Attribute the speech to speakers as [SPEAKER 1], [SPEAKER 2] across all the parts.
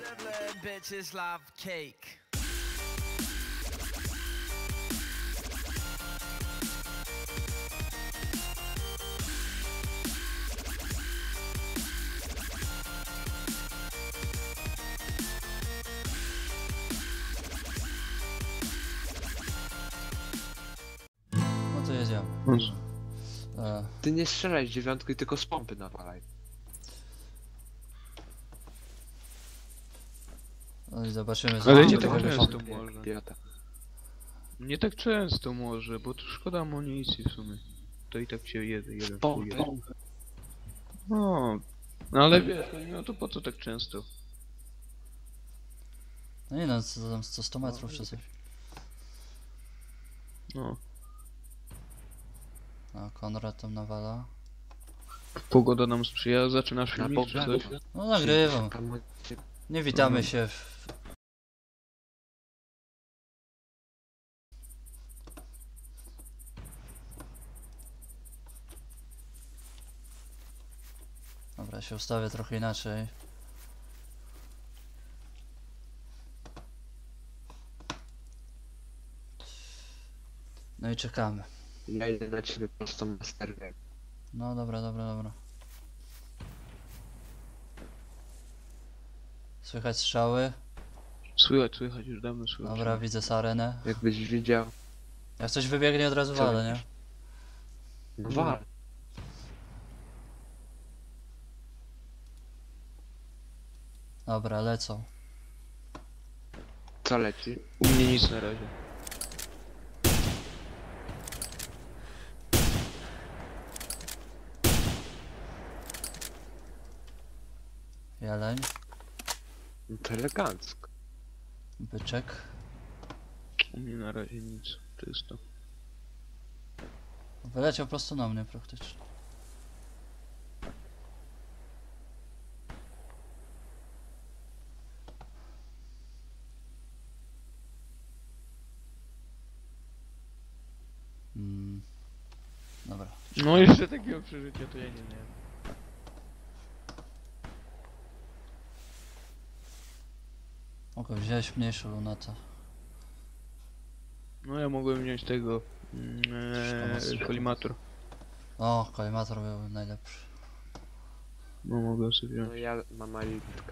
[SPEAKER 1] Bitches love cake.
[SPEAKER 2] No to jedziemy.
[SPEAKER 3] Ty nie strzelaj z dziewiątki, tylko z pompy nawalaj.
[SPEAKER 2] No i zobaczymy, co
[SPEAKER 4] Ale
[SPEAKER 2] będzie
[SPEAKER 4] nie tak
[SPEAKER 2] tego
[SPEAKER 4] często
[SPEAKER 2] wyszło.
[SPEAKER 4] może.
[SPEAKER 3] Idiota.
[SPEAKER 4] Nie tak często może, bo to szkoda amunicji w sumie. To i tak się jeden
[SPEAKER 3] Pompy.
[SPEAKER 4] czuje. No ale wiesz, no to po co tak często?
[SPEAKER 2] No nie no, co tam 100 metrów czy coś.
[SPEAKER 4] No.
[SPEAKER 2] No, Konrad tam nawala.
[SPEAKER 4] Pogoda nam sprzyja, zaczynasz
[SPEAKER 3] Na
[SPEAKER 4] filmik czy
[SPEAKER 3] pompę.
[SPEAKER 4] coś?
[SPEAKER 2] No nagrywam.
[SPEAKER 3] Tam-
[SPEAKER 2] Nie witamy się w... Dobra, się ustawię trochę inaczej. No i czekamy.
[SPEAKER 3] Ja idę na ciebie prosto na serwer.
[SPEAKER 2] No dobra, dobra, dobra. Słychać strzały.
[SPEAKER 4] Słychać, już dawno słychać.
[SPEAKER 2] Dobra, widzę sarenę.
[SPEAKER 3] Jakbyś widział.
[SPEAKER 2] Jak coś wybiegnie od razu
[SPEAKER 3] Co
[SPEAKER 2] walę, nie?
[SPEAKER 3] widzisz? No wal.
[SPEAKER 2] Dobra, lecą.
[SPEAKER 3] Co leci?
[SPEAKER 4] U mnie nic na razie.
[SPEAKER 2] Jeleń,
[SPEAKER 3] No to elegancko.
[SPEAKER 2] byczek.
[SPEAKER 4] U mnie na razie nic. Czysto.
[SPEAKER 2] Wyleciał prosto na mnie praktycznie. Dobra.
[SPEAKER 4] No jeszcze takiego przeżycia to ja nie miałem.
[SPEAKER 2] Mogę wziąć mniejszą lunetę.
[SPEAKER 4] No ja mogłem wziąć tego... kolimator.
[SPEAKER 2] O, kolimator był najlepszy.
[SPEAKER 4] No mogłem sobie wziąć.
[SPEAKER 3] No ja mam malitka.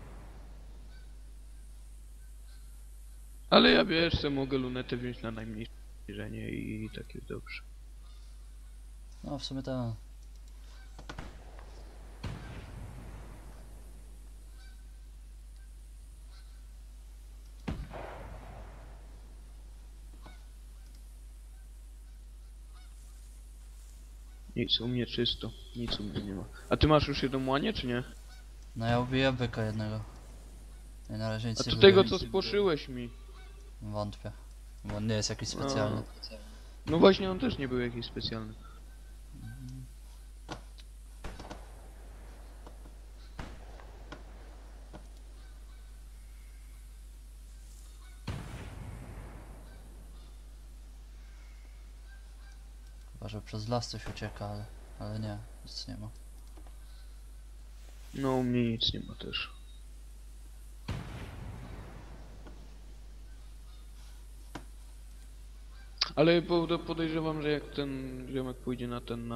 [SPEAKER 4] Ale ja wiesz, że mogę lunetę wziąć na najmniejsze zbliżenie i tak jest dobrze.
[SPEAKER 2] No w sumie tak.
[SPEAKER 4] Nic, u mnie czysto. Nic u mnie nie ma. A ty masz już jedną łanię, czy nie?
[SPEAKER 2] No ja ubiję byka jednego. I na razie nic
[SPEAKER 4] A
[SPEAKER 2] nie
[SPEAKER 4] to
[SPEAKER 2] wybiję.
[SPEAKER 4] tego co spłoszyłeś mi.
[SPEAKER 2] Wątpię. Bo on nie jest jakiś specjalny.
[SPEAKER 4] No właśnie, on też nie był jakiś specjalny.
[SPEAKER 2] Chyba, że przez las coś ucieka, ale nie, nic nie ma.
[SPEAKER 4] No u mnie nic nie ma też. Ale podejrzewam, że jak ten ziomek pójdzie na ten,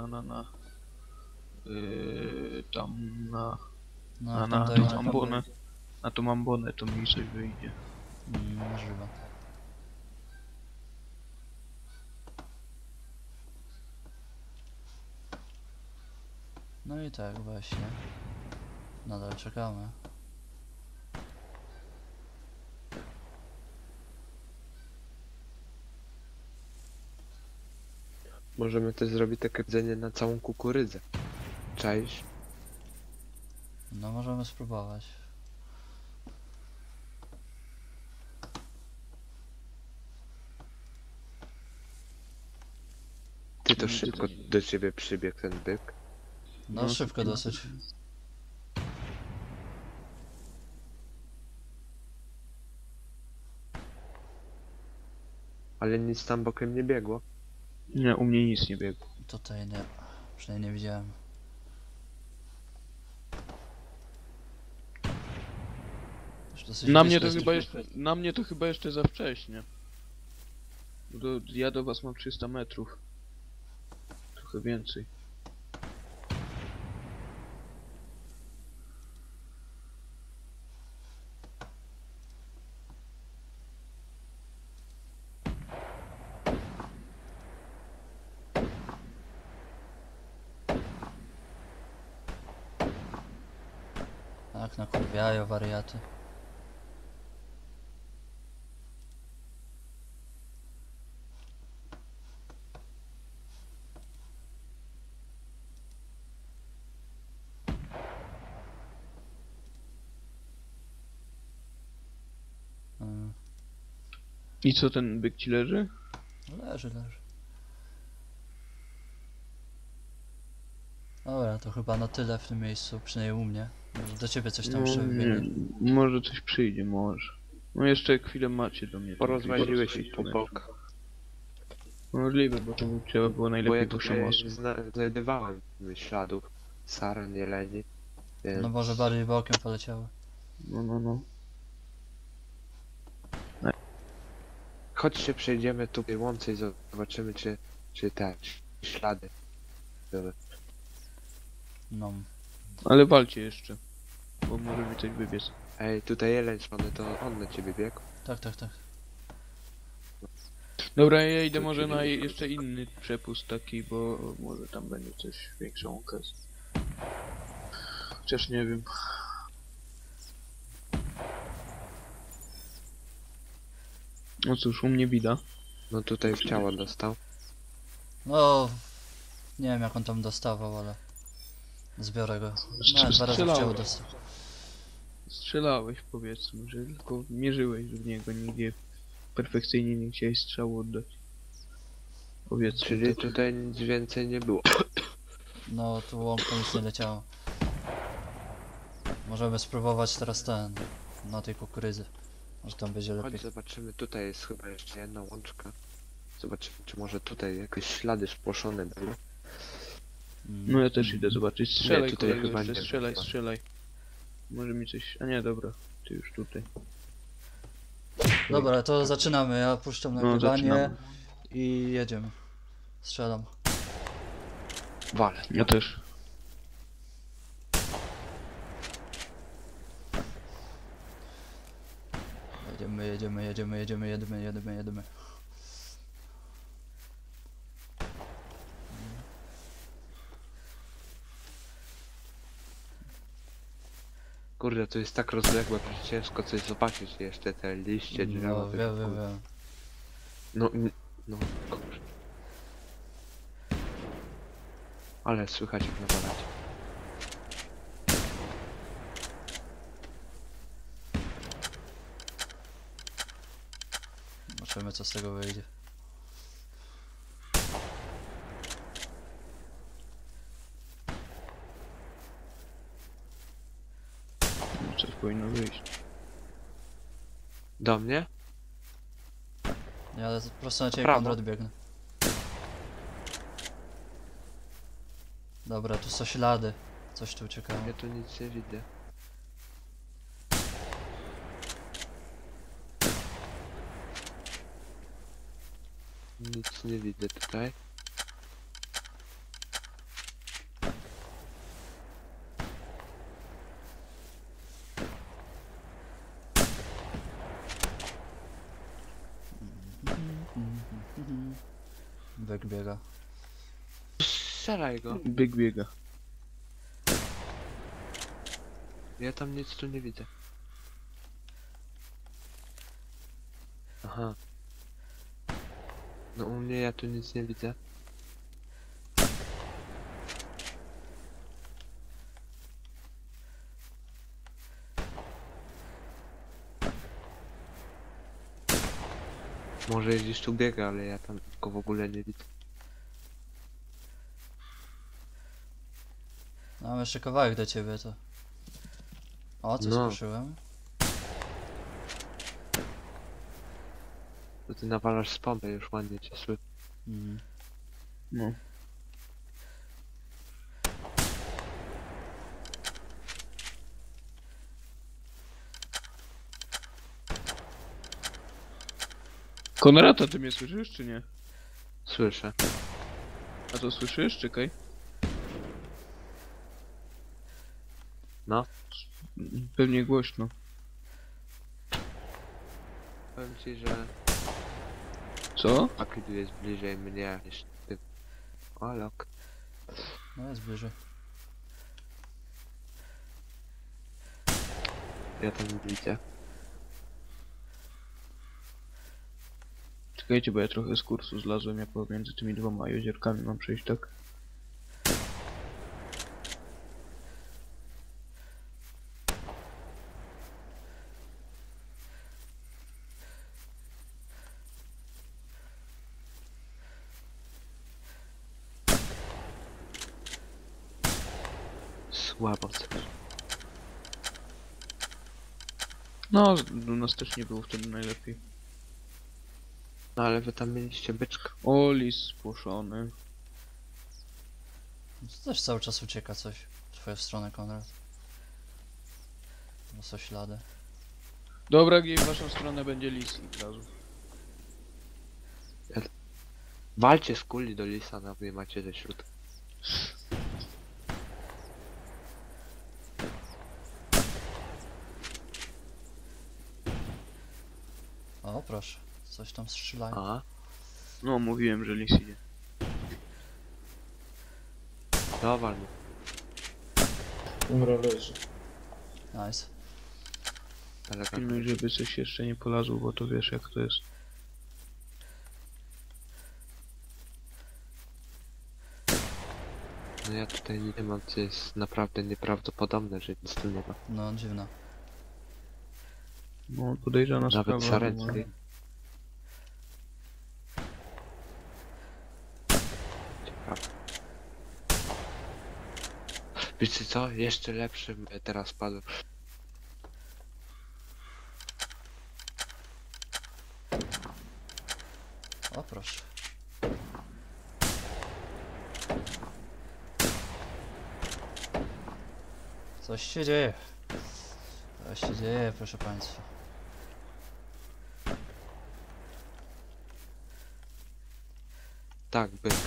[SPEAKER 4] tam
[SPEAKER 2] No jak
[SPEAKER 4] na
[SPEAKER 2] tam dojdzie,
[SPEAKER 4] tą ambonę, na tą ambonę to mi coś wyjdzie.
[SPEAKER 2] możliwe. No i tak właśnie. Nadal czekamy.
[SPEAKER 3] Możemy też zrobić takie jedzenie na całą kukurydzę. Czaisz?
[SPEAKER 2] No możemy spróbować.
[SPEAKER 3] Ty to szybko do ciebie przybiegł ten byk.
[SPEAKER 2] No
[SPEAKER 4] No,
[SPEAKER 2] szybko dosyć.
[SPEAKER 3] Ale nic tam bokiem nie biegło.
[SPEAKER 4] Nie, u mnie nic nie biegło.
[SPEAKER 2] Tutaj nie. Przynajmniej nie widziałem. Dosyć
[SPEAKER 4] Na
[SPEAKER 2] blisko
[SPEAKER 4] mnie to
[SPEAKER 2] jesteś.
[SPEAKER 4] chyba jeszcze, na mnie to chyba jeszcze za wcześnie. Ja do was mam 300 metrów. Trochę więcej.
[SPEAKER 2] Tak, nakurwiają wariaty. Mm,
[SPEAKER 4] I co, ten byk ci leży?
[SPEAKER 2] leży. Dobra, to chyba na tyle w tym miejscu, przynajmniej u mnie. Może do ciebie coś tam jeszcze wybiegnie.
[SPEAKER 4] Może coś przyjdzie, może. No jeszcze chwilę macie do mnie.
[SPEAKER 3] Porozmaźniłeś ich po bokach.
[SPEAKER 4] Możliwe, bo to trzeba było
[SPEAKER 3] Bo
[SPEAKER 4] najlepiej
[SPEAKER 3] ja
[SPEAKER 4] po
[SPEAKER 3] tutaj
[SPEAKER 4] szamosu.
[SPEAKER 3] znajdowałem śladów saran, jeleni. Więc...
[SPEAKER 2] No może bardziej bokiem poleciały.
[SPEAKER 4] No.
[SPEAKER 3] Chodźcie, przejdziemy tu tej łące i zobaczymy, czy te ślady były.
[SPEAKER 2] No.
[SPEAKER 4] Ale walcie jeszcze. Bo może mi coś wybiec.
[SPEAKER 3] Ej, tutaj jeleń szalony, to on na ciebie biegł.
[SPEAKER 2] Tak.
[SPEAKER 4] Dobra, ja idę może
[SPEAKER 3] czyli-
[SPEAKER 4] na jeszcze inny przepust taki, bo może tam będzie coś większą okazję. Chociaż nie wiem. No cóż, u mnie bida.
[SPEAKER 3] No tutaj w ciało dostał.
[SPEAKER 2] No, nie wiem jak on tam dostawał, ale zbiorę go. No, 2 razy w ciało dostał.
[SPEAKER 4] Strzelałeś, powiedzmy, że tylko mierzyłeś w niego, nigdzie perfekcyjnie nie chciałeś strzału oddać. Powiedzmy.
[SPEAKER 3] Czyli
[SPEAKER 4] to.
[SPEAKER 3] tutaj nic więcej nie było.
[SPEAKER 2] No, tu łąką nic nie leciało. Możemy spróbować teraz na tej kukurydzy. Może tam będzie lepiej.
[SPEAKER 3] Chodź, zobaczymy, tutaj jest chyba jeszcze jedna łączka. Zobaczymy, czy może tutaj jakieś ślady spłoszone były.
[SPEAKER 4] No ja też idę zobaczyć. Strzelaj,
[SPEAKER 3] tutaj
[SPEAKER 4] kolego,
[SPEAKER 3] chyba
[SPEAKER 4] jeszcze
[SPEAKER 3] nie.
[SPEAKER 4] strzelaj. Może mi coś... A nie, dobra. Ty już tutaj.
[SPEAKER 2] Dobra, to zaczynamy. Ja puszczam
[SPEAKER 4] No,
[SPEAKER 2] nagrywanie
[SPEAKER 4] zaczynamy.
[SPEAKER 2] i jedziemy. Strzelam.
[SPEAKER 3] Wale.
[SPEAKER 4] Ja też.
[SPEAKER 2] Jedziemy.
[SPEAKER 3] Kurde, to jest tak rozległe, że ciężko coś zobaczyć jeszcze, te liście, drzewa.
[SPEAKER 2] No,
[SPEAKER 3] to
[SPEAKER 2] wiem.
[SPEAKER 3] No, kurde. Ale słychać jak nawalać.
[SPEAKER 2] Zobaczymy co z tego wyjdzie.
[SPEAKER 4] No, coś powinno wyjść.
[SPEAKER 3] Do mnie?
[SPEAKER 2] Ja po prostu na ciebie
[SPEAKER 3] Prawo.
[SPEAKER 2] Konrad biegnę. Dobra, tu są ślady. Coś tu uciekało.
[SPEAKER 3] Ja tu nic nie widzę. Nic nie widzę tutaj.
[SPEAKER 2] Byk biega.
[SPEAKER 3] Strzelaj go.
[SPEAKER 4] Byk biega.
[SPEAKER 3] Ja tam nic tu nie widzę. Aha. No u mnie ja tu nic nie widzę. Może gdzieś tu biega, ale ja tam go w ogóle nie widzę.
[SPEAKER 2] No, mam jeszcze kawałek do ciebie to. O, coś
[SPEAKER 3] No.
[SPEAKER 2] słyszałem.
[SPEAKER 3] To ty nawalasz z pompy, już ładnie cię słyszę.
[SPEAKER 2] Mhm.
[SPEAKER 4] No. Konrad, a ty mnie słyszysz, czy nie?
[SPEAKER 3] Słyszę.
[SPEAKER 4] A to słyszysz? Czekaj.
[SPEAKER 3] No.
[SPEAKER 4] Pewnie głośno.
[SPEAKER 3] Powiem ci, że
[SPEAKER 4] Co?
[SPEAKER 3] Akidu jest bliżej mnie niż ty. O, lok.
[SPEAKER 2] No jest bliżej.
[SPEAKER 3] Ja tam nie widzę.
[SPEAKER 4] Czekajcie, bo ja trochę z kursu zlazłem, ja pomiędzy tymi dwoma jeziorkami mam przejść, tak?
[SPEAKER 3] Słabo coś.
[SPEAKER 4] No, u nas też nie było wtedy najlepiej.
[SPEAKER 3] No ale wy tam mieliście byczka.
[SPEAKER 4] O, lis spłoszony.
[SPEAKER 2] To też cały czas ucieka coś w twoją stronę, Konrad. No są ślady.
[SPEAKER 4] Dobra, gdzie w waszą stronę będzie lis i razu.
[SPEAKER 3] Walcie z kuli do lisa, no wy macie ze środka.
[SPEAKER 2] O, proszę. Coś tam strzelają.
[SPEAKER 3] A,
[SPEAKER 4] No, mówiłem, że lis idzie.
[SPEAKER 3] dowal mu.
[SPEAKER 1] Dobra, leży.
[SPEAKER 2] Nice.
[SPEAKER 3] Elegancko.
[SPEAKER 4] Pilnuj, żeby coś jeszcze nie polazło, bo to wiesz jak to jest.
[SPEAKER 3] No ja tutaj nie mam, co jest naprawdę nieprawdopodobne, że nic tu nie ma.
[SPEAKER 2] No, dziwne.
[SPEAKER 4] No, podejrzana
[SPEAKER 3] Nawet
[SPEAKER 4] sprawa.
[SPEAKER 3] Sarenski. Ciekawe. Wiecie co? Jeszcze lepszy mnie teraz padł.
[SPEAKER 2] O, proszę. Coś się dzieje. Coś się dzieje, proszę państwa.
[SPEAKER 3] Tak, byk.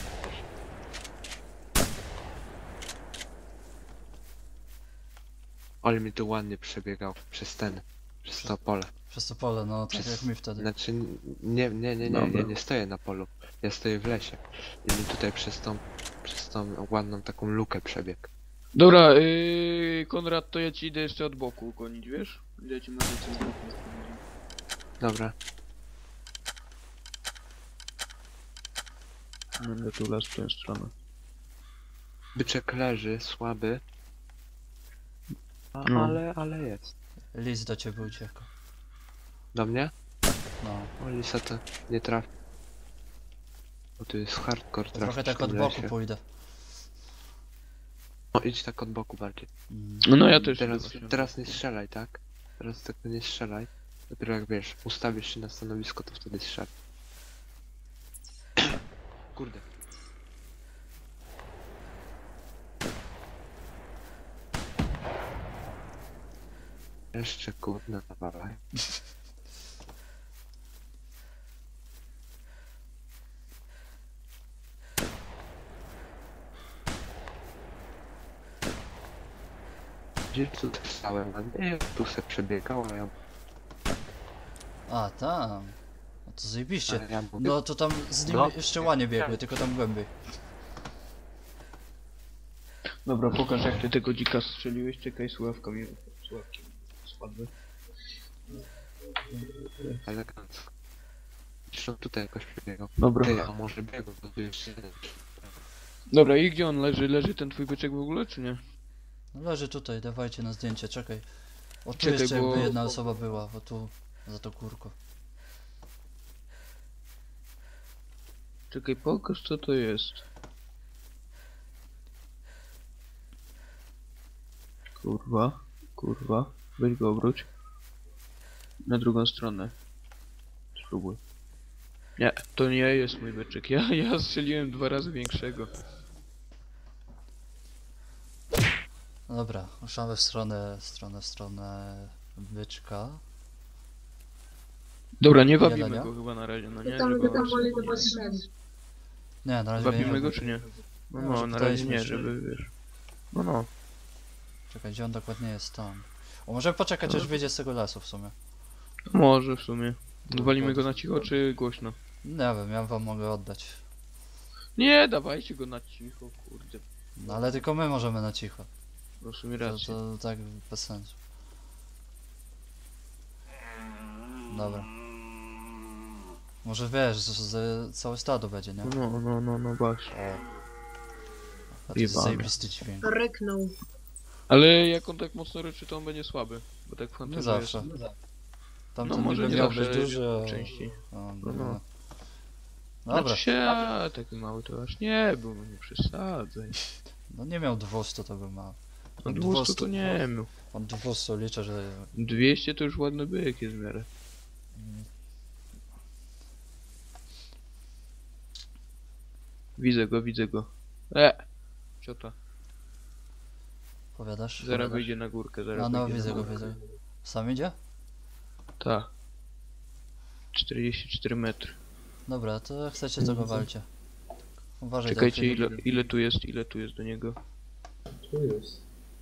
[SPEAKER 3] Ale mi tu ładnie przebiegał przez to pole.
[SPEAKER 2] Przez to pole, no, tak jak mi wtedy.
[SPEAKER 3] Znaczy, nie,
[SPEAKER 4] Dobra.
[SPEAKER 3] ja nie stoję na polu. Ja stoję w lesie. I mi tutaj przez tą ładną taką lukę przebiegł.
[SPEAKER 4] Dobra, Konrad, to ja ci idę jeszcze od boku gonić, wiesz? Ja ci może coś z boku sprawdzić.
[SPEAKER 3] Dobra,
[SPEAKER 4] Będę tu las w tę stronę.
[SPEAKER 3] byczek leży, słaby.
[SPEAKER 4] No.
[SPEAKER 3] Ale jest.
[SPEAKER 2] Lis do ciebie uciekł.
[SPEAKER 3] Do mnie?
[SPEAKER 2] No.
[SPEAKER 3] O, lisa to nie trafi. Bo tu jest hardcore trafić
[SPEAKER 2] Trochę tak
[SPEAKER 3] w tym
[SPEAKER 2] od boku
[SPEAKER 3] lesie.
[SPEAKER 2] pójdę.
[SPEAKER 3] No idź tak od boku bardziej.
[SPEAKER 4] No ja też
[SPEAKER 3] Teraz,
[SPEAKER 4] idę właśnie.
[SPEAKER 3] teraz nie strzelaj, tak? Teraz tego nie strzelaj. Dopiero jak wiesz, ustawisz się na stanowisko, to wtedy strzelaj. Kurde. Jeszcze kurde nawalaj. Gdzie tu stałem? A nie, tu se przebiegał, a ja...
[SPEAKER 2] A, tam. No to zajebiście.
[SPEAKER 3] A ja mówię,
[SPEAKER 2] No to tam z nim
[SPEAKER 3] No.
[SPEAKER 2] jeszcze łanie biegły, tylko tam głębiej.
[SPEAKER 4] Dobra, pokaż jak ty tego dzika strzeliłeś, czekaj, słuchawka mi... Słuchawki spadły.
[SPEAKER 3] elegancko. Zresztą tutaj jakoś przebiegał.
[SPEAKER 4] Dobra.
[SPEAKER 3] Ty, a może biegł, bo tu jeszcze jeden.
[SPEAKER 4] Dobra, i gdzie on leży? Leży ten twój byczek w ogóle, czy nie?
[SPEAKER 2] No leży tutaj, dawajcie na zdjęcie, czekaj. O tu
[SPEAKER 4] Czekaj,
[SPEAKER 2] jeszcze
[SPEAKER 4] bo-
[SPEAKER 2] jakby jedna osoba była, o tu, za to kurko.
[SPEAKER 4] Czekaj, pokaż co to jest. Kurwa, kurwa. Weź go obróć. Na drugą stronę. Spróbuj. Nie, to nie jest mój byczek. Ja strzeliłem 2 razy większego.
[SPEAKER 2] No dobra, ruszamy w stronę byczka.
[SPEAKER 4] Dobra, nie wabimy
[SPEAKER 2] Jelenia?
[SPEAKER 4] go chyba na razie, no nie?
[SPEAKER 5] Tam
[SPEAKER 4] Żeby...
[SPEAKER 5] go tam woli to potrzebne.
[SPEAKER 2] Nie, na razie go nie
[SPEAKER 4] Wabimy
[SPEAKER 2] ma.
[SPEAKER 4] go czy nie? No,
[SPEAKER 2] No,
[SPEAKER 4] no,
[SPEAKER 2] że
[SPEAKER 4] na razie
[SPEAKER 2] pytaliśmy
[SPEAKER 4] nie,
[SPEAKER 2] się.
[SPEAKER 4] żeby wiesz. No, no.
[SPEAKER 2] Czekaj, gdzie on dokładnie jest? Tam. O, może poczekać aż wyjdzie z tego lasu w sumie.
[SPEAKER 4] Może w sumie.
[SPEAKER 2] No,
[SPEAKER 4] Walimy go na cicho czy głośno?
[SPEAKER 2] Nie wiem, ja wam mogę oddać.
[SPEAKER 4] Nie, dawajcie go na cicho, kurde.
[SPEAKER 2] No ale tylko my możemy na cicho.
[SPEAKER 4] No w sumie
[SPEAKER 2] To,
[SPEAKER 4] rację.
[SPEAKER 2] to tak bez sensu. Dobra. Może wiesz, z całe stado będzie, nie?
[SPEAKER 4] No właśnie.
[SPEAKER 2] A to jest
[SPEAKER 4] Jebane.
[SPEAKER 2] zajebisty dźwięk.
[SPEAKER 5] Ryknął.
[SPEAKER 4] Ale jak on tak mocno ryczy, to on będzie słaby. Bo tak w
[SPEAKER 2] Nie
[SPEAKER 4] Hunterze
[SPEAKER 2] zawsze.
[SPEAKER 4] jest.
[SPEAKER 2] Tamten
[SPEAKER 4] No może
[SPEAKER 2] niby
[SPEAKER 4] nie
[SPEAKER 2] miał
[SPEAKER 4] zawsze,
[SPEAKER 2] być duży, a...
[SPEAKER 4] częściej.
[SPEAKER 2] O,
[SPEAKER 4] No, no.
[SPEAKER 2] Dobra,
[SPEAKER 4] Znaczy się, a, taki mały to aż nie był, no nie przesadzaj.
[SPEAKER 2] no nie miał 200, to by ma.
[SPEAKER 4] No 200 to nie miał.
[SPEAKER 2] On 200 liczę, że...
[SPEAKER 4] 200 to już ładny byk jest w miarę. Widzę go. Ciota.
[SPEAKER 2] Powiadasz?
[SPEAKER 4] Zaraz wyjdzie na górkę, zaraz
[SPEAKER 2] A no,
[SPEAKER 4] wyjdzie
[SPEAKER 2] widzę
[SPEAKER 4] na
[SPEAKER 2] go,
[SPEAKER 4] górkę.
[SPEAKER 2] widzę. Sam idzie?
[SPEAKER 4] Tak. 44 metry.
[SPEAKER 2] Dobra, to jak chcecie, to go walcie. Uważaj,
[SPEAKER 4] Czekajcie,
[SPEAKER 2] Delfin.
[SPEAKER 4] ile tu jest do niego?
[SPEAKER 1] Tu jest.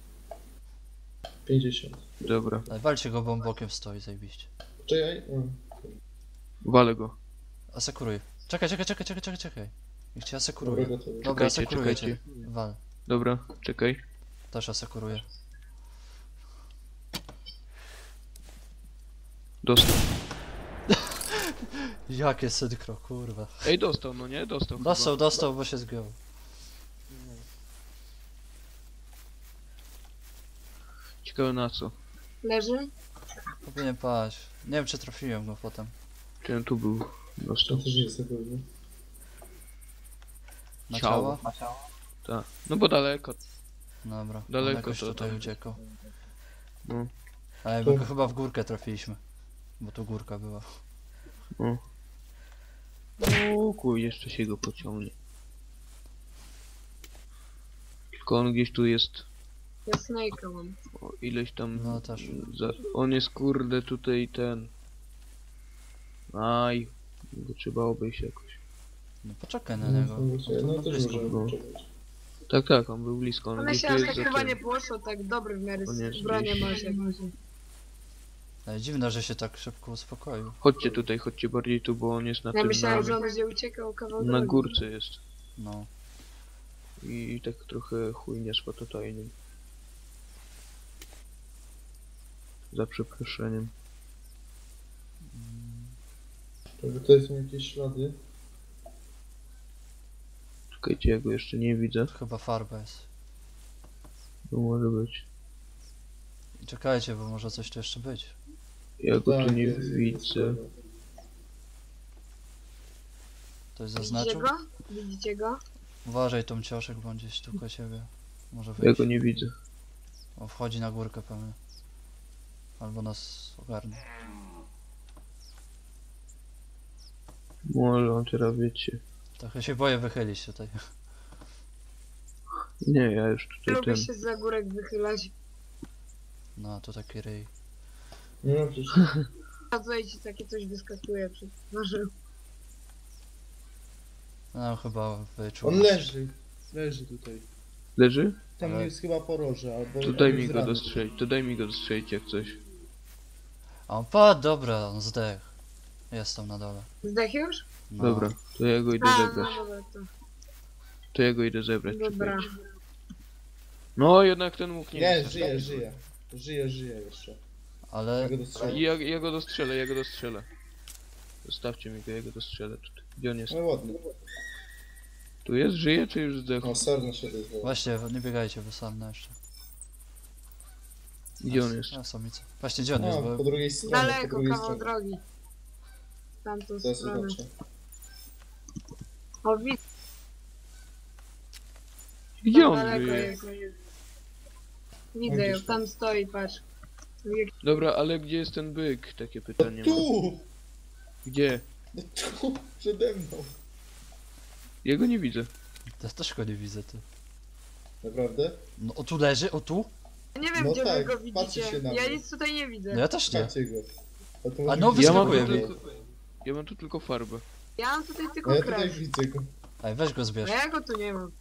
[SPEAKER 1] 50.
[SPEAKER 4] Dobra,
[SPEAKER 2] Ale walcie go, bo on bokiem stoi, zajebiście.
[SPEAKER 1] Czekaj.
[SPEAKER 4] walę go.
[SPEAKER 2] Asekuruj. Czekaj. Niech cię asekuruje.
[SPEAKER 1] Dobra, gotowy.
[SPEAKER 2] Dobra,
[SPEAKER 4] Czekajcie,
[SPEAKER 2] asekuruję cię.
[SPEAKER 4] czekajcie.
[SPEAKER 2] Wal.
[SPEAKER 4] Dobra, czekaj.
[SPEAKER 2] Też asekuruję.
[SPEAKER 4] Dostał.
[SPEAKER 2] Jakie synchro, kurwa.
[SPEAKER 4] Ej, dostał, no nie? Dostał chyba.
[SPEAKER 2] Dostał, bo się zgiął.
[SPEAKER 4] Ciekawe na co.
[SPEAKER 5] Leży?
[SPEAKER 2] Powinien paść. Nie wiem, czy trafiłem go potem.
[SPEAKER 4] Czy on tu był?
[SPEAKER 1] To
[SPEAKER 4] Dostał.
[SPEAKER 1] też jest na pewno.
[SPEAKER 2] Na
[SPEAKER 4] Ciało.
[SPEAKER 2] ciało?
[SPEAKER 4] Tak. No bo daleko.
[SPEAKER 2] Dobra.
[SPEAKER 4] Daleko
[SPEAKER 2] on jakoś
[SPEAKER 4] to
[SPEAKER 2] tutaj
[SPEAKER 4] tam.
[SPEAKER 2] uciekał.
[SPEAKER 4] No.
[SPEAKER 2] Ale my go chyba w górkę trafiliśmy. Bo tu górka była.
[SPEAKER 4] No. O kuj, jeszcze się go pociągnie. Tylko on gdzieś tu jest.
[SPEAKER 5] Ja Snake'a mam.
[SPEAKER 4] O, ileś tam.
[SPEAKER 2] No też.
[SPEAKER 4] On jest kurde tutaj ten. Aj. Go trzeba obejść jakoś.
[SPEAKER 2] No poczekaj na niego.
[SPEAKER 1] No
[SPEAKER 2] On
[SPEAKER 1] też
[SPEAKER 2] blisko
[SPEAKER 1] możemy
[SPEAKER 2] był.
[SPEAKER 1] poczekać.
[SPEAKER 4] Tak, on był blisko. On
[SPEAKER 5] Ale
[SPEAKER 4] gdzieś
[SPEAKER 5] się
[SPEAKER 4] tu
[SPEAKER 5] aż
[SPEAKER 4] jest
[SPEAKER 5] tak
[SPEAKER 4] za
[SPEAKER 5] chyba
[SPEAKER 4] tym.
[SPEAKER 5] nie poszło, tak dobry w miarę
[SPEAKER 4] On jest
[SPEAKER 5] bronię
[SPEAKER 4] gdzieś.
[SPEAKER 5] masz jak masz.
[SPEAKER 2] Ale dziwne, że się tak szybko uspokoił.
[SPEAKER 4] Chodźcie tutaj, chodźcie bardziej tu, bo on jest na
[SPEAKER 5] Ja
[SPEAKER 4] tym.
[SPEAKER 5] myślałem, że on będzie uciekał kawał
[SPEAKER 4] Na
[SPEAKER 5] drogi.
[SPEAKER 4] górce jest.
[SPEAKER 2] No.
[SPEAKER 4] I tak trochę chujnie z patotajnym. Za przeproszeniem.
[SPEAKER 1] Żeby tutaj są jakieś ślady.
[SPEAKER 4] Czekajcie, ja go jeszcze nie widzę.
[SPEAKER 2] Chyba farba jest.
[SPEAKER 4] To może być.
[SPEAKER 2] I czekajcie, bo może coś tu jeszcze być.
[SPEAKER 4] Ja go tu
[SPEAKER 1] Tak,
[SPEAKER 4] nie
[SPEAKER 1] jest,
[SPEAKER 4] widzę.
[SPEAKER 2] Ktoś
[SPEAKER 5] Widzicie
[SPEAKER 2] zaznaczył?
[SPEAKER 5] go? Widzicie go?
[SPEAKER 2] Uważaj tą cioszek, bo on gdzieś tu koło ciebie. Może
[SPEAKER 4] Ja
[SPEAKER 2] wyjść.
[SPEAKER 4] go nie widzę.
[SPEAKER 2] O, wchodzi na górkę pewnie. Albo nas ogarnie.
[SPEAKER 4] Może on teraz wiecie.
[SPEAKER 2] Trochę się boję wychylić tutaj.
[SPEAKER 4] Nie, ja już tutaj
[SPEAKER 5] Lubię
[SPEAKER 4] ten.
[SPEAKER 5] się za górek wychylać.
[SPEAKER 2] No, to taki ryj.
[SPEAKER 1] No przecież.
[SPEAKER 5] A co ci takie coś wyskakuje przed twarzą.
[SPEAKER 2] No, chyba wyczuł.
[SPEAKER 1] On leży. Leży tutaj.
[SPEAKER 4] Leży?
[SPEAKER 1] Tam
[SPEAKER 2] Ale-
[SPEAKER 1] jest chyba poroże, albo...
[SPEAKER 4] To daj
[SPEAKER 1] albo
[SPEAKER 4] mi
[SPEAKER 1] z
[SPEAKER 4] go
[SPEAKER 1] rany.
[SPEAKER 4] dostrzelić, to daj mi go dostrzelić jak coś.
[SPEAKER 2] A on padł, dobra, on zdech. Jest tam na dole.
[SPEAKER 5] Zdech już?
[SPEAKER 2] No.
[SPEAKER 4] Dobra, to ja go idę
[SPEAKER 5] A,
[SPEAKER 4] zebrać.
[SPEAKER 5] no dobra, to.
[SPEAKER 4] To ja go idę zebrać.
[SPEAKER 5] Dobra.
[SPEAKER 4] czekajcie. No jednak ten mógł nie
[SPEAKER 1] Nie,
[SPEAKER 4] być.
[SPEAKER 1] żyje jeszcze.
[SPEAKER 2] Ale
[SPEAKER 1] Ja go dostrzelę.
[SPEAKER 4] Ja go dostrzelę. Zostawcie mi go, ja go dostrzelę tutaj. Gdzie on jest?
[SPEAKER 1] No ładnie.
[SPEAKER 4] Tu jest? Żyje czy już zdechł?
[SPEAKER 1] O, sarna się rozwała.
[SPEAKER 2] właśnie, nie biegajcie, bo sam jeszcze.
[SPEAKER 4] Gdzie on jest?
[SPEAKER 2] A, samica. Właśnie, gdzie on jest?
[SPEAKER 1] A,
[SPEAKER 2] Bo...
[SPEAKER 1] po drugiej stronie, po
[SPEAKER 5] Daleko,
[SPEAKER 1] drugiej
[SPEAKER 5] kawał
[SPEAKER 1] stronie.
[SPEAKER 5] drogi. W tamtą
[SPEAKER 1] Teraz
[SPEAKER 5] stronę.
[SPEAKER 1] zobaczę.
[SPEAKER 5] O, widzę,
[SPEAKER 4] Gdzie on
[SPEAKER 5] daleko
[SPEAKER 4] żyje?
[SPEAKER 5] jest. Widzę ją,
[SPEAKER 1] Gdzieś
[SPEAKER 5] tam stoi, patrz.
[SPEAKER 4] Dobra, ale gdzie jest ten byk? Takie
[SPEAKER 1] No
[SPEAKER 4] pytanie mam.
[SPEAKER 1] tu!
[SPEAKER 4] Gdzie?
[SPEAKER 1] No tu! Przede mną!
[SPEAKER 4] Ja go nie widzę.
[SPEAKER 2] Ja też go nie widzę, ty.
[SPEAKER 1] Naprawdę?
[SPEAKER 2] No, o tu leży, o tu?
[SPEAKER 5] Nie wiem,
[SPEAKER 1] No
[SPEAKER 5] gdzie
[SPEAKER 1] tak,
[SPEAKER 5] wy go
[SPEAKER 1] patrzy
[SPEAKER 5] widzicie.
[SPEAKER 1] się na
[SPEAKER 5] Ja
[SPEAKER 1] mnie.
[SPEAKER 5] nic tutaj nie widzę.
[SPEAKER 2] No ja też nie.
[SPEAKER 1] Macie go. A, to
[SPEAKER 2] A
[SPEAKER 1] może
[SPEAKER 2] no,
[SPEAKER 1] być-
[SPEAKER 4] Ja mam,
[SPEAKER 2] wyskakuje
[SPEAKER 4] tu
[SPEAKER 2] mi.
[SPEAKER 4] tylko, ja mam tu tylko farbę.
[SPEAKER 5] Ja mam tutaj
[SPEAKER 1] A
[SPEAKER 5] tylko
[SPEAKER 1] ja tutaj
[SPEAKER 5] krew.
[SPEAKER 1] widzę go.
[SPEAKER 2] Ej, weź go
[SPEAKER 5] A
[SPEAKER 2] zbierz.
[SPEAKER 5] ja go tu nie mam.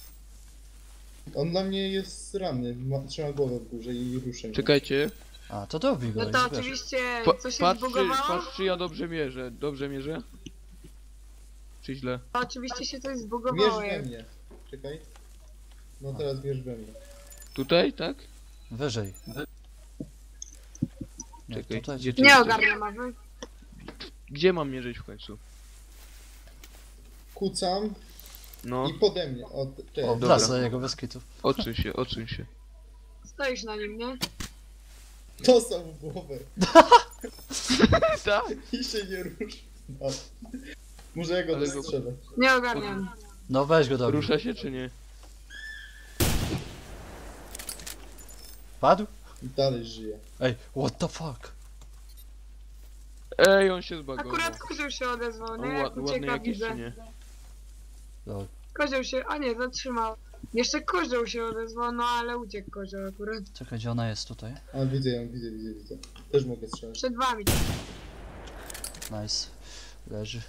[SPEAKER 1] On na mnie jest ranny, trzyma głowę w górze i ruszę.
[SPEAKER 4] Czekajcie.
[SPEAKER 2] A, to dobij go
[SPEAKER 5] No
[SPEAKER 2] i
[SPEAKER 5] to
[SPEAKER 2] zbierz.
[SPEAKER 5] oczywiście co się
[SPEAKER 4] Patrz,
[SPEAKER 5] zbugowało?
[SPEAKER 4] czy ja dobrze mierzę. Dobrze mierzę? Czy źle?
[SPEAKER 5] To oczywiście się coś
[SPEAKER 1] Mierz
[SPEAKER 5] zbugowało.
[SPEAKER 1] we mnie. Czekaj. No teraz mierz we mnie.
[SPEAKER 4] Tutaj, tak?
[SPEAKER 2] Wyżej. Nie,
[SPEAKER 4] Czekaj,
[SPEAKER 2] tutaj.
[SPEAKER 4] gdzie ty
[SPEAKER 5] Nie
[SPEAKER 4] jesteś?
[SPEAKER 5] ogarniam, a wy?
[SPEAKER 4] Gdzie mam mierzyć w końcu?
[SPEAKER 1] Kucam
[SPEAKER 4] No,
[SPEAKER 1] i pode mnie. O,
[SPEAKER 2] O,
[SPEAKER 1] czekaj.
[SPEAKER 4] Dobra.
[SPEAKER 2] wlazł do jego bez kitu.
[SPEAKER 4] odsuń się, odsuń się.
[SPEAKER 5] Stoisz na nim, nie?
[SPEAKER 1] Dostał w głowę
[SPEAKER 4] Tak.
[SPEAKER 1] i się nie ruszy. No. Może ja go
[SPEAKER 4] Ale go-
[SPEAKER 1] dostrzelę.
[SPEAKER 5] Nie ogarniam.
[SPEAKER 2] No weź go dobij.
[SPEAKER 4] Rusza się czy nie?
[SPEAKER 2] Padł?
[SPEAKER 1] I dalej żyje.
[SPEAKER 2] Ej, what the fuck?
[SPEAKER 4] Ej, on się zbagował.
[SPEAKER 5] Akurat kozioł się odezwał,
[SPEAKER 4] On
[SPEAKER 5] nie? Jak
[SPEAKER 4] ładny
[SPEAKER 5] ucieka,
[SPEAKER 4] jakiś
[SPEAKER 5] widzę.
[SPEAKER 4] czy nie?
[SPEAKER 2] Lol.
[SPEAKER 5] Kozioł się, a nie, zatrzymał. Jeszcze kozioł się odezwał, no ale uciekł kozioł akurat.
[SPEAKER 2] Czekaj, gdzie ona jest tutaj?
[SPEAKER 1] A widzę ją, widzę. Też mogę strzelać.
[SPEAKER 5] Przed wami.
[SPEAKER 2] Nice. Leży.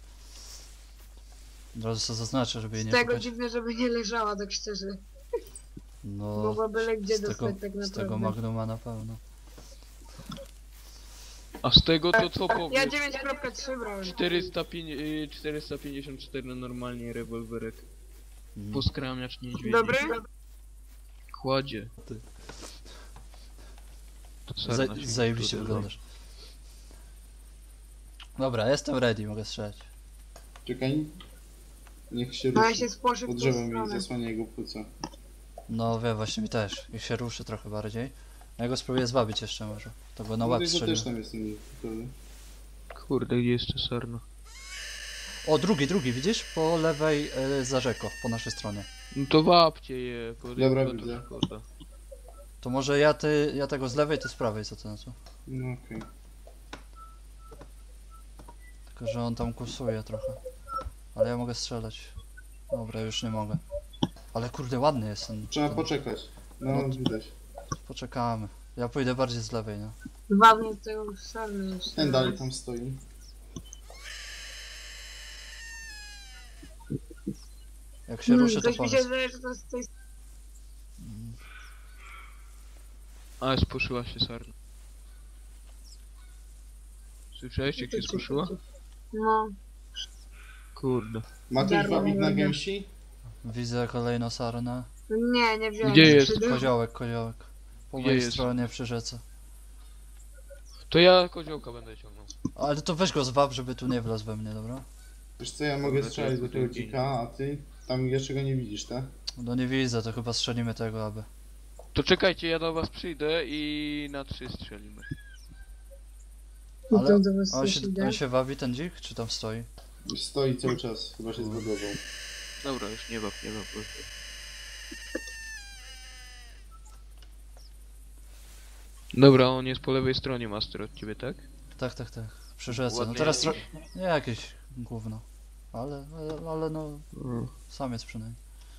[SPEAKER 2] Od razu sobie zaznaczę, żeby jej
[SPEAKER 5] Z
[SPEAKER 2] nie
[SPEAKER 5] tego
[SPEAKER 2] szukać.
[SPEAKER 5] dziwne, żeby nie leżała, tak szczerze.
[SPEAKER 2] No,
[SPEAKER 5] Mogła byle gdzie
[SPEAKER 2] z tego,
[SPEAKER 5] dostać tak
[SPEAKER 2] z tego
[SPEAKER 5] naprawdę.
[SPEAKER 2] Magnuma na pewno.
[SPEAKER 4] A z tego to co
[SPEAKER 5] Ja
[SPEAKER 4] powiesz?
[SPEAKER 5] 9.3 brałem.
[SPEAKER 4] 454 na normalnie rewolwerek.
[SPEAKER 2] Mm.
[SPEAKER 4] Poskramiacz niedźwiedzi.
[SPEAKER 5] Dobry?
[SPEAKER 4] Kładzie.
[SPEAKER 2] Ty.
[SPEAKER 4] To sarna się
[SPEAKER 2] Zajebiście
[SPEAKER 4] tutaj
[SPEAKER 2] wyglądasz. Dobra, jestem ready, mogę strzelać.
[SPEAKER 1] Czekaj. Niech się
[SPEAKER 5] No ja
[SPEAKER 1] ruszy.
[SPEAKER 5] się spłoszę w
[SPEAKER 1] Pod
[SPEAKER 5] tą
[SPEAKER 1] drzewem mi
[SPEAKER 5] stronę.
[SPEAKER 1] zasłania jego płuca.
[SPEAKER 2] No wiem, właśnie mi też. Niech się ruszy trochę bardziej. Ja go spróbuję zwabić jeszcze może. To go na łeb
[SPEAKER 1] to
[SPEAKER 2] strzelił.
[SPEAKER 1] też tam jest ten gotowy.
[SPEAKER 4] Kurde, gdzie jest ta sarna?
[SPEAKER 2] O, drugi, widzisz? Po lewej za rzeką, po naszej stronie.
[SPEAKER 4] No to wapcie je, bo
[SPEAKER 1] Dobra,
[SPEAKER 4] to
[SPEAKER 1] widzę.
[SPEAKER 4] szkoda.
[SPEAKER 2] To może ja tego z lewej, ty z prawej, co ty na to?
[SPEAKER 1] No okej.
[SPEAKER 2] Tylko, że on tam kursuje trochę. Ale ja mogę strzelać. Dobra, już nie mogę. Ale kurde, ładny jest ten.
[SPEAKER 1] Trzeba
[SPEAKER 2] ten...
[SPEAKER 1] poczekać. No
[SPEAKER 2] No.
[SPEAKER 1] widać.
[SPEAKER 2] Poczekamy. Ja pójdę bardziej z lewej, no.
[SPEAKER 5] Dwa mnie tego sarny jeszcze.
[SPEAKER 1] Ten dalej tam stoi.
[SPEAKER 2] Jak się ruszy, to
[SPEAKER 5] Coś mi się
[SPEAKER 2] powiedz.
[SPEAKER 5] wydaje, że to jest coś...
[SPEAKER 4] A, spuszyła się sarna. Słyszałeś jak się spuszyła?
[SPEAKER 5] No.
[SPEAKER 4] Kurde.
[SPEAKER 1] Ma ktoś
[SPEAKER 5] Darmo
[SPEAKER 1] wabik na
[SPEAKER 5] nie
[SPEAKER 1] gęsi?
[SPEAKER 2] Widzę kolejną sarnę.
[SPEAKER 5] Nie, nie wziąłem.
[SPEAKER 4] Gdzie jest?
[SPEAKER 5] skrzydła.
[SPEAKER 2] Koziołek. Po
[SPEAKER 4] Gdzie
[SPEAKER 2] mojej
[SPEAKER 4] jest?
[SPEAKER 2] stronie przy rzece.
[SPEAKER 4] To ja koziołka będę ciągnął.
[SPEAKER 2] Ale to weź go zwab, żeby tu nie wlazł we mnie, dobra?
[SPEAKER 1] Wiesz co, ja mogę
[SPEAKER 4] Kurde, to
[SPEAKER 1] strzelać
[SPEAKER 4] jest
[SPEAKER 1] do tego
[SPEAKER 4] drugi.
[SPEAKER 1] dzika, a ty tam jeszcze go nie widzisz, tak?
[SPEAKER 2] No nie widzę, to chyba strzelimy tego, aby.
[SPEAKER 4] To czekajcie, ja do was przyjdę i na 3 strzelimy.
[SPEAKER 2] Ale
[SPEAKER 5] To do was
[SPEAKER 2] On
[SPEAKER 5] coś
[SPEAKER 2] się,
[SPEAKER 5] idzie.
[SPEAKER 2] on się wabi, ten dzik, czy tam stoi?
[SPEAKER 1] Już stoi cały czas, chyba się zbugował.
[SPEAKER 4] Dobra, już nie baw. Dobra, on jest po lewej stronie, master, od ciebie, tak?
[SPEAKER 2] Tak. Przy rzece. No
[SPEAKER 4] Ładnie.
[SPEAKER 2] teraz nie jakieś gówno. Ale no, samiec przynajmniej.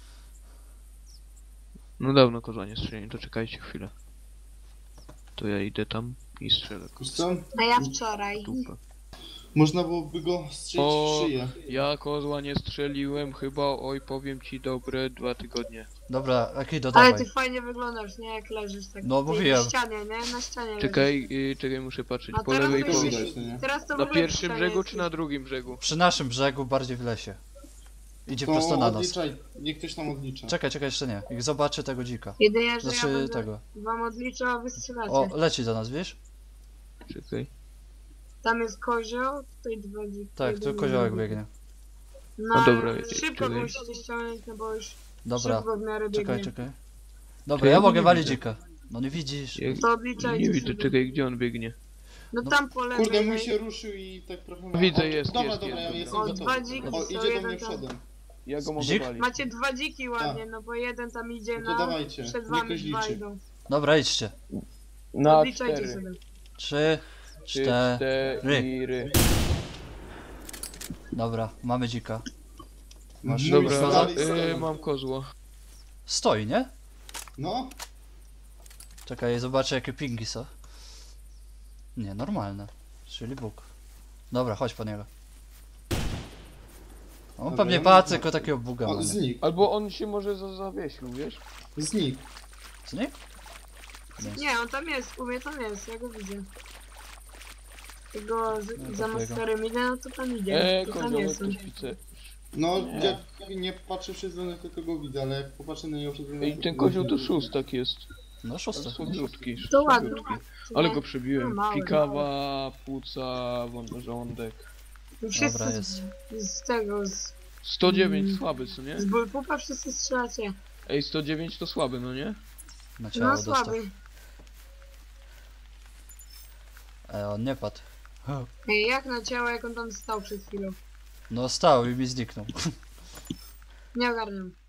[SPEAKER 4] No dawno kozła nie strzeliłem, to czekajcie chwilę. To ja idę tam i strzelę.
[SPEAKER 1] Wiesz co?
[SPEAKER 5] A ja wczoraj.
[SPEAKER 4] Dupę.
[SPEAKER 1] Można byłoby go strzelić
[SPEAKER 4] O,
[SPEAKER 1] w szyję.
[SPEAKER 4] Ja kozła nie strzeliłem chyba, oj powiem ci dobre 2 tygodnie.
[SPEAKER 2] Dobra, Akido,
[SPEAKER 5] Ale
[SPEAKER 2] dawaj.
[SPEAKER 5] ty fajnie wyglądasz, nie? Jak leżysz tak.
[SPEAKER 2] No,
[SPEAKER 5] Ty
[SPEAKER 2] mówiłem.
[SPEAKER 5] Na ścianie, nie? Na ścianie leżysz.
[SPEAKER 4] Czekaj, czekaj, muszę patrzeć.
[SPEAKER 5] A
[SPEAKER 4] Po
[SPEAKER 5] teraz
[SPEAKER 4] lewej
[SPEAKER 5] to
[SPEAKER 4] po...
[SPEAKER 5] już-
[SPEAKER 1] Widać, no nie?
[SPEAKER 5] Teraz to w
[SPEAKER 4] Na
[SPEAKER 5] ogóle
[SPEAKER 4] pierwszym
[SPEAKER 5] ścianie
[SPEAKER 4] brzegu
[SPEAKER 5] jesteś.
[SPEAKER 4] czy na drugim brzegu?
[SPEAKER 2] Przy naszym brzegu, bardziej w lesie. Idzie
[SPEAKER 1] To
[SPEAKER 2] prosto na nas.
[SPEAKER 1] odliczaj, niech ktoś tam odlicza.
[SPEAKER 2] Czekaj, jeszcze nie. Jak zobaczy tego dzika.
[SPEAKER 5] Jedynie, że ja
[SPEAKER 2] Znaczy
[SPEAKER 5] będę
[SPEAKER 2] tego.
[SPEAKER 5] wam odliczał, a wy strzelacie.
[SPEAKER 2] O, leci do nas, wiesz?
[SPEAKER 4] Czekaj.
[SPEAKER 5] Tam jest kozioł, tutaj dwa dziki.
[SPEAKER 2] Tak, tu
[SPEAKER 5] jeden
[SPEAKER 2] koziołek
[SPEAKER 5] drugi.
[SPEAKER 2] biegnie.
[SPEAKER 5] No,
[SPEAKER 4] A dobra,
[SPEAKER 5] szybko
[SPEAKER 4] czekaj.
[SPEAKER 5] musicie ściągnąć, no bo już
[SPEAKER 2] Dobra,
[SPEAKER 5] szybko w miarę biegnie.
[SPEAKER 2] czekaj. Dobra,
[SPEAKER 4] To ja
[SPEAKER 2] ja
[SPEAKER 4] go
[SPEAKER 2] mogę
[SPEAKER 4] nie
[SPEAKER 2] walić
[SPEAKER 4] widzę.
[SPEAKER 2] dzika. No nie widzisz.
[SPEAKER 4] Jak...
[SPEAKER 5] To odliczajcie
[SPEAKER 4] Nie widzę,
[SPEAKER 5] sobie.
[SPEAKER 4] czekaj, gdzie on biegnie?
[SPEAKER 5] No
[SPEAKER 2] No.
[SPEAKER 5] tam po lewej.
[SPEAKER 1] Kurde, mój się ruszył i tak trochę...
[SPEAKER 4] Widzę,
[SPEAKER 1] O,
[SPEAKER 4] jest,
[SPEAKER 1] Dobra,
[SPEAKER 4] jest,
[SPEAKER 1] dobra,
[SPEAKER 4] jest,
[SPEAKER 1] ja jestem
[SPEAKER 5] O,
[SPEAKER 1] gotowy.
[SPEAKER 5] dwa dziki
[SPEAKER 1] O,
[SPEAKER 5] są,
[SPEAKER 1] idzie do
[SPEAKER 5] jeden
[SPEAKER 1] mnie
[SPEAKER 5] tam.
[SPEAKER 1] przodem.
[SPEAKER 4] Ja go mogę
[SPEAKER 2] Dzik?
[SPEAKER 4] walić.
[SPEAKER 5] Macie dwa dziki ładnie, no bo jeden tam idzie
[SPEAKER 1] No to
[SPEAKER 5] na...
[SPEAKER 1] dawajcie,
[SPEAKER 5] Przed
[SPEAKER 1] niech
[SPEAKER 5] wami
[SPEAKER 1] ktoś
[SPEAKER 5] dwa
[SPEAKER 1] liczy.
[SPEAKER 5] idą.
[SPEAKER 2] Dobra, idźcie.
[SPEAKER 4] Na
[SPEAKER 5] Odliczajcie
[SPEAKER 4] 4.
[SPEAKER 5] sobie.
[SPEAKER 2] 3, 4.
[SPEAKER 4] 4.
[SPEAKER 2] Dobra, mamy dzika. Masz
[SPEAKER 1] Mój
[SPEAKER 4] Dobra,
[SPEAKER 1] dalej stoi.
[SPEAKER 4] mam kozła.
[SPEAKER 2] Stoi, nie?
[SPEAKER 1] No,
[SPEAKER 2] Czekaj, zobaczę jakie pingi są. Nie, normalne. Czyli Bóg. Dobra, chodź po niego. On
[SPEAKER 1] Dobra,
[SPEAKER 2] pewnie
[SPEAKER 1] ja mam
[SPEAKER 2] patrzy,
[SPEAKER 1] zobaczyć.
[SPEAKER 2] tylko takiego buga ma.
[SPEAKER 1] O,
[SPEAKER 2] nie?
[SPEAKER 1] znikł.
[SPEAKER 4] Albo on się może zawiesił, wiesz?
[SPEAKER 1] Znikł.
[SPEAKER 2] Znikł? Nie.
[SPEAKER 5] Nie, on tam jest, u mnie tam jest, ja go widzę. Tego
[SPEAKER 2] No,
[SPEAKER 5] za
[SPEAKER 2] takiego.
[SPEAKER 5] masterem idę, no to tam idzie. To tam
[SPEAKER 4] Koziołek
[SPEAKER 5] jest on.
[SPEAKER 4] to szpice.
[SPEAKER 1] No,
[SPEAKER 4] Nie.
[SPEAKER 1] jak nie patrzę przez stronę, tylko go widzę, ale jak popatrzę na niego przez stronę...
[SPEAKER 4] Ej, ten kozioł to szóstak jest.
[SPEAKER 2] No szósty.
[SPEAKER 4] Słabiutki.
[SPEAKER 5] To ładny.
[SPEAKER 4] słabiutki. Ale go przebiłem.
[SPEAKER 5] No, mały,
[SPEAKER 4] Pikawa, płuca, żołądek.
[SPEAKER 5] Wszyscy
[SPEAKER 2] Dobra, jest.
[SPEAKER 5] z tego, z
[SPEAKER 4] 109 słaby, co nie?
[SPEAKER 5] bullpupa wszyscy strzelacie.
[SPEAKER 4] Ej, 109 to słaby, no nie?
[SPEAKER 2] Na ciało
[SPEAKER 5] No
[SPEAKER 2] dostał.
[SPEAKER 5] słaby.
[SPEAKER 2] On nie padł.
[SPEAKER 5] Ej, jak na ciało, jak on tam stał przed chwilą.
[SPEAKER 2] No stał i mi zniknął.
[SPEAKER 5] Nie ogarniam.